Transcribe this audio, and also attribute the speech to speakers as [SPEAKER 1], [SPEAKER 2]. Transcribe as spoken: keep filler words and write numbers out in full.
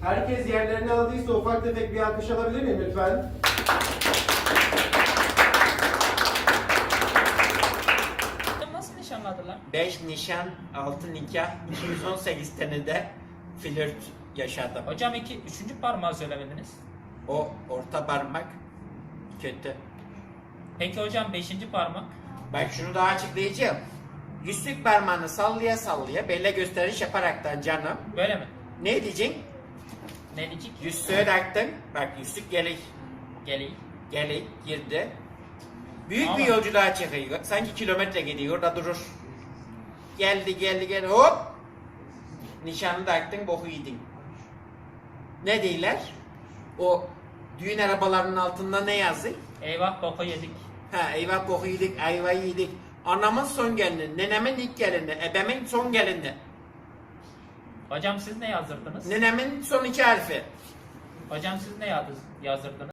[SPEAKER 1] Herkes yerlerini aldıysa ufak tefek bir alkış alabilir miyim lütfen?
[SPEAKER 2] Nasıl nişanladılar?
[SPEAKER 3] beş nişan, altı nikah, iki yüz on sekiz tane de flört yaşadım.
[SPEAKER 2] Hocam iki, üçüncü parmağı söylemediniz.
[SPEAKER 3] O orta parmak kötü.
[SPEAKER 2] Peki hocam beşinci parmak?
[SPEAKER 3] Bak şunu daha açıklayacağım. Yüzük parmağını sallaya sallaya belle gösteriş yaparaktan canım.
[SPEAKER 2] Böyle mi?
[SPEAKER 3] Ne diyeceksin?
[SPEAKER 2] Ne diyecek?
[SPEAKER 3] Yüzüğü taktın. Bak yüzük gelik.
[SPEAKER 2] Geleyim.
[SPEAKER 3] Gelik girdi. Büyük
[SPEAKER 2] Ama-
[SPEAKER 3] bir yolculuğa çıkıyor. Sanki kilometre gidiyor orada durur. Geldi geldi geldi hop. Nişanı taktın boku yedin. Ne değiller? O düğün arabalarının altında ne yazıyor?
[SPEAKER 2] Eyvah boka yedik.
[SPEAKER 3] Ha eyvah boku yedik, ayvayı yedik. Anamın son gelini, nenemin ilk gelini, ebemin son gelini.
[SPEAKER 2] Hocam siz ne yazdırdınız?
[SPEAKER 3] Nenemin son iki harfi.
[SPEAKER 2] Hocam siz ne yazdı- yazdırdınız?